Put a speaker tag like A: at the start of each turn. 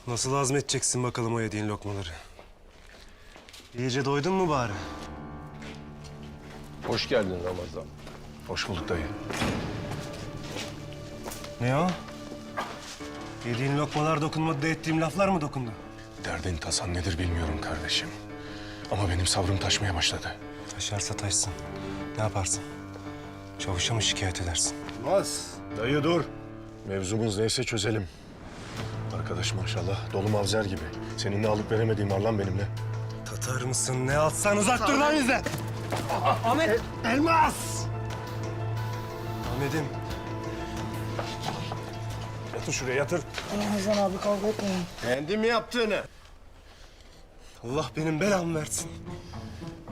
A: Nasıl hazmedeceksin bakalım o yediğin lokmaları? İyice doydun mu bari?
B: Hoş geldin Ramazan.
C: Hoş bulduk dayı.
A: Ne o? Yediğin lokmalar dokunmadı da ettiğim laflar mı dokundu?
C: Derdin tasan nedir bilmiyorum kardeşim. Ama benim sabrım taşmaya başladı.
A: Taşarsa taşsın. Ne yaparsın? Çavuşa mı şikayet edersin?
C: Olmaz. Dayı dur. Mevzumuz neyse çözelim. Arkadaş maşallah dolu mavzer gibi. Seninle alıp veremediğim var lan benimle.
A: Tatar mısın? Ne atsan uzak dur lan bizden! Ahmet! Elmas! Ahmet'im.
C: Yatır şuraya yatır.
D: Ramazan abi kavga etmeyin.
A: Kendi mi yaptığını? Allah benim belamı versin.